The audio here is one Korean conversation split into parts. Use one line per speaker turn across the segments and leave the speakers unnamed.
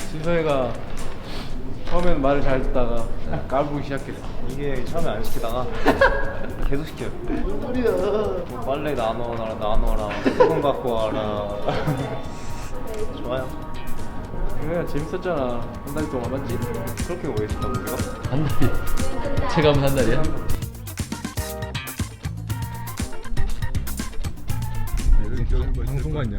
진성이가 처음에는 말을 잘 듣다가 까불기 시작했어.
이게 처음에 안 시키다가 계속 시켜요.
뭔 소리야?
뭐 빨래 나눠라, 수건 갖고 와라. 좋아요.
그래 재밌었잖아. 한 달 동안 맞지?
그렇게 오래 있었다고 우리가?
한 달이. 체감은 한 달이야?
방송 같냐?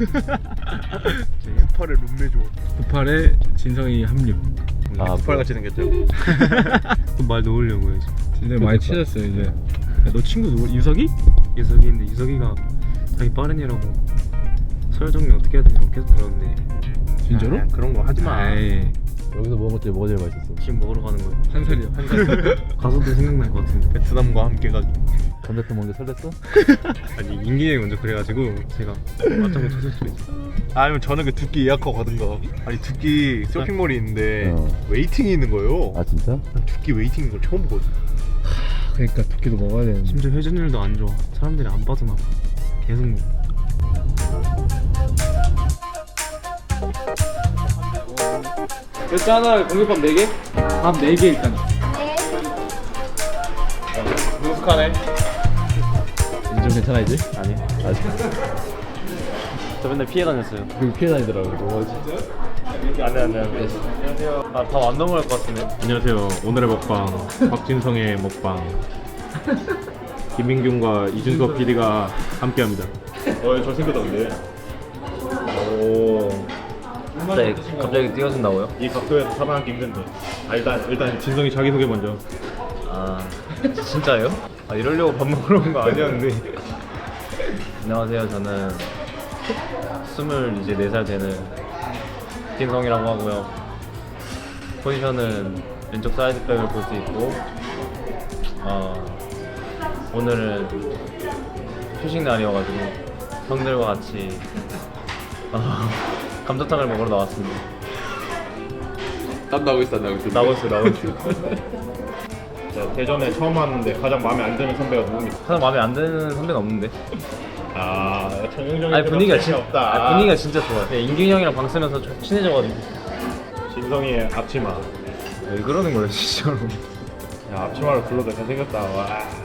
후팔의 룸메 줘.
후팔에 진성이 합류.
후팔 같이 생겼죠? 말 놓으려고 해서.
진성이 많이 친해졌어요 이제. 야, 너 친구 누구? 유석이?
유석이인데 유석이가 자기 빠른이라고 서열 정리 어떻게 해야 되냐고 계속 그러는데.
진짜로?
아, 그런 거 하지 마.
에이.
여기서 먹은 것 중에 뭐가 제일 맛있었어?
지금 먹으러 가는 거예요.
한 살이야. 한 살.
가서도 생각날 것 같은데. 베트남과 함께 가기.
감자탕 먹는 게 설렜어?
아니 인기에 먼저 그래가지고 제가 맞장구 쳤을 수도 있어. 아니면 저는 그 두끼 예약하고 가든가. 아니 두끼 쇼핑몰이 있는데 웨이팅이 있는 거예요.
아 진짜?
난 두끼 웨이팅 있는 걸 처음 보거든.
그러니까 두끼도 먹어야 되는데.
심지어 회전율도 안 좋아. 사람들이 안 빠져나가. 계속 먹어.
일단 하나 공깃밥 4개? 밥 4개 일단.
능숙하네.
인정 괜찮아 이제?
아니.
아직
저 맨날 피해 다녔어요.
그리고 피해 다니더라고. 뭐지?
안돼. 안녕하세요. 아, 밥 안 넘어갈 것 같은데.
안녕하세요. 오늘의 먹방 박진성의 먹방 김민균과 이준석 PD가 함께합니다. 잘생겼다 근데. 오.
갑자기 뛰어준다고요?
이 각도에서 살아남기 힘든데. 아 일단 진성이 자기 소개 먼저.
아 진짜예요? 아 이러려고 밥 먹으러 온 거 아니었는데. 안녕하세요. 저는 24살 되는 김성이라고 하고요. 포지션은 왼쪽 사이드백을 볼 수 있고, 오늘은 휴식 날이어가지고 형들과 같이 감자탕을 먹으러 나왔습니다.
땀 나고 있어 안 나고 있어?
나고 있어요.
자, 대전에 처음 왔는데 가장 마음에 안 드는 선배가 누굽니까?
가장 마음에 안 드는 선배는 없는데.
아 정영정이
아니 분위기가
없다.
아니, 분위기가 진짜 좋아요. 네, 인균이 형이랑 방 쓰면서 좀 친해져가지고.
진성이의 앞치마.
왜 그러는 거예요 진짜로?
야 앞치마를 불러도 잘생겼다. 와.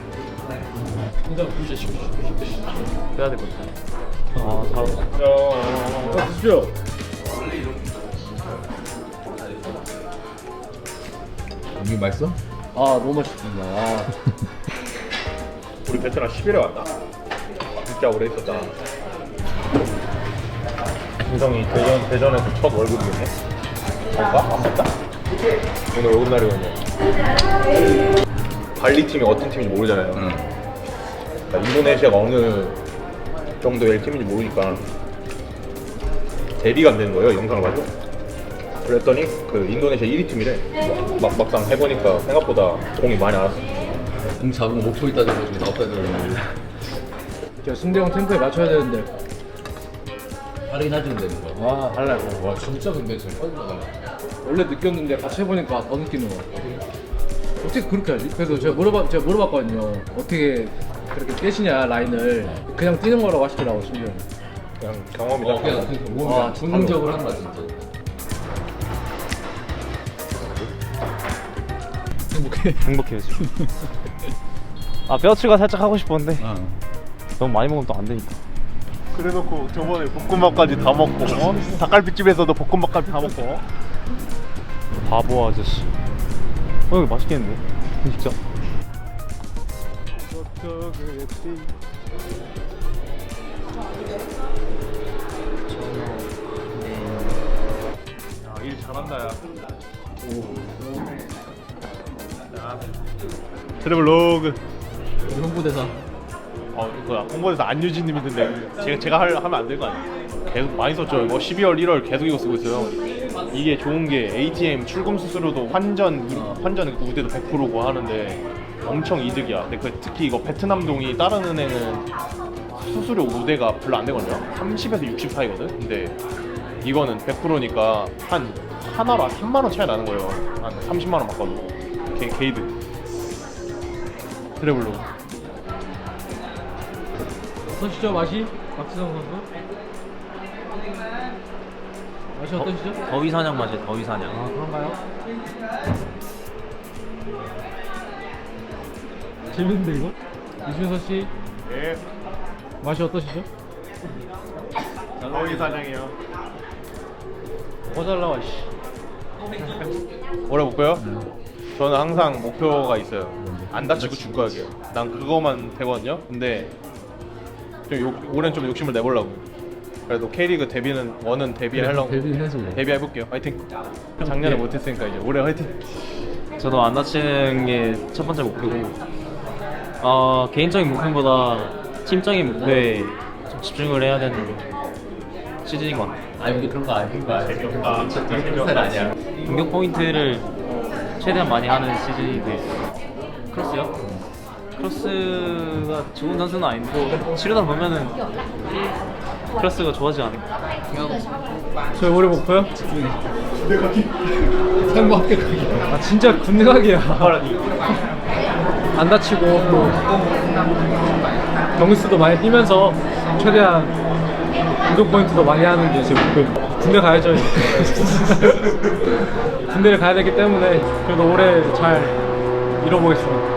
해야 될 것 같아. 아 다.
드십시오.
이게 맛있어?
아 너무 맛있습니다. 아.
우리 베트남 10일에 왔다. 진짜 오래 있었다. 진성이 대전에서 첫 월급이겠네? 아닌가? 안 맞다? 오늘 월급 날이거든요. 발리 팀이 어떤 팀인지 모르잖아요. 그러니까 인도네시아가 어느 정도의 팀인지 모르니까 대비가 안 되는 거예요, 영상을 봐도. 그랬더니 그 인도네시아 1위 팀이래. 막상 해보니까 생각보다 공이 많이 안 왔어.
공 잡으면 목소리 따지는 거 중에 나 없다는 거.
저 승대형 템포에 맞춰야 되는데.
빠르긴 하지 근데 뭔가.
와 달라요.
와 진짜 근데 잘 빠져나가네.
원래 느꼈는데 같이 해보니까 더 느끼는 거 같아. 어떻게 그렇게 하지? 그래서 제가 물어봤거든요. 어떻게 그렇게 깨시냐 라인을. 그냥 뛰는 거라고 하시더라고 심지어.
그냥 경험이다.
그냥 몸이
와,
긍정적으로 한다 진짜.
행복해요 지금. 아 뼈치가 살짝 하고 싶었는데 너무 많이 먹으면 또 안 되니까.
그래놓고 저번에 볶음밥까지 다 먹고 닭갈비집에서도 볶음밥까지 다 먹고.
바보 아저씨. 이거 맛있겠는데? 진짜.
일 잘한다 야. 트래블로그.
홍보대사.
홍보에서 안유진님이던데 제가 하면 안 될 거 아니에요? 계속 많이 썼죠. 이거 12월 1월 계속 이거 쓰고 있어요. 이게 좋은 게 ATM 출금 수수료도 환전 우대도 100%고 하는데 엄청 이득이야. 근데 특히 이거 베트남동이 다른 은행은 수수료 우대가 별로 안 되거든요. 30에서 60 사이거든. 근데 이거는 100%니까 한 하나로 3만 원 차이 나는 거예요. 한 30만 원 바꿔도 게이드. 트래블로.
어떠시죠 맛이? 박지성 선수? 맛이 어떠시죠?
더위 사냥 맛이에요. 더위 사냥.
아 그런가요? 재밌는데 이거? 이준서 씨
예.
맛이 어떠시죠?
거기 사장이요.
잘 나와 씨.
오래 볼까요? 저는 항상 목표가 있어요. 안 다치고 축구하기요. 난 그거만 되거든요. 근데 올해는 좀 욕심을 내보려고. 그래도 K리그 데뷔는 원은 데뷔하려고
데뷔해서
데뷔해볼게요. 화이팅. 작년에 못했으니까 이제 올해 화이팅.
저도 안 다치는 게 첫 번째 목표고, 개인적인 목표보다 팀적인 목표에 좀 집중을 해야 되는 시즌인 것 같아요.
아니 그런 거 아닌 거 아니야. 스타일 아니야.
공격 포인트를 최대한 많이 하는 시즌이 되겠어요. 크로스요? 크로스가 좋은 선수는 아닌데 치르다 보면은 크로스가 좋아지지 않을까.
저희 올해 목표요? 상부 합격하기. 아 진짜 군대 가기야. 안 다치고 또 경기수도 많이 뛰면서 최대한 운동 포인트도 많이 하는 게 제 목표입니다. 군대 가야죠. 군대를 가야 되기 때문에 그래도 올해 잘 이뤄보겠습니다.